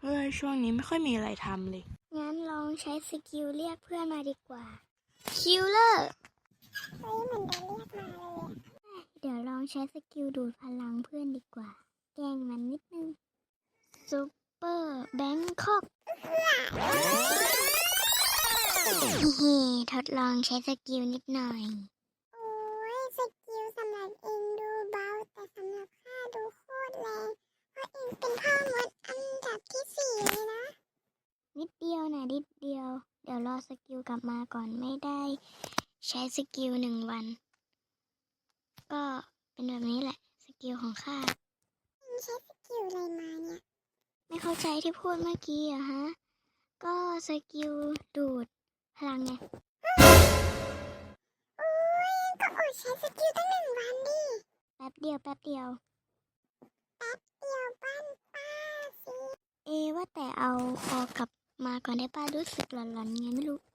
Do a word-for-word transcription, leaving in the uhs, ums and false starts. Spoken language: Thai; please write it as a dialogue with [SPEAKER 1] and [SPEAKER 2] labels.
[SPEAKER 1] ฮ้ยช่วงนี้ไม่ค่อยมีอะไรทำเลย
[SPEAKER 2] งั้นลองใช้สกิลเรียกเพื่อนมาดีกว่าคิลเลอร์เฮ้ยมันจะเรียกมาเลยเดี๋ยวลองใช้สกิลดูดพลังเพื่อนดีกว่าแกล้งมันนิดนึงซูเปอร์แบงคอกฮิทดลองใช้สกิลนิดหน่อยโอ้ยสกิลสำหรับเองดูเบาแต่สำหรับข้าดูโคตรแรงเพราะเองเป็นพ่อมดอันดับที่สี่เลยนะนิดเดียวนะนิดเดียวเดี๋ยวรอสกิลกลับมาก่อนไม่ได้ใช้สกิลหนึ่งวันก็เป็นแบบนี้แหละสกิลของข้าใช้สกิลอะไรมาเนี่ยไม่เข้าใจที่พูดเมื่อกี้อะฮะก็สกิลดูดพลังไงโอ้ยก็อดใช้สกิลตั้งหนึ่งวันดิแป๊บเดียวแป๊บเดียวแป๊บเดียวบ้านป้าสิเอว่าแต่เอาออกกลับมาก่อนได้ป้ารู้สึกหลอนๆไงไม่รู้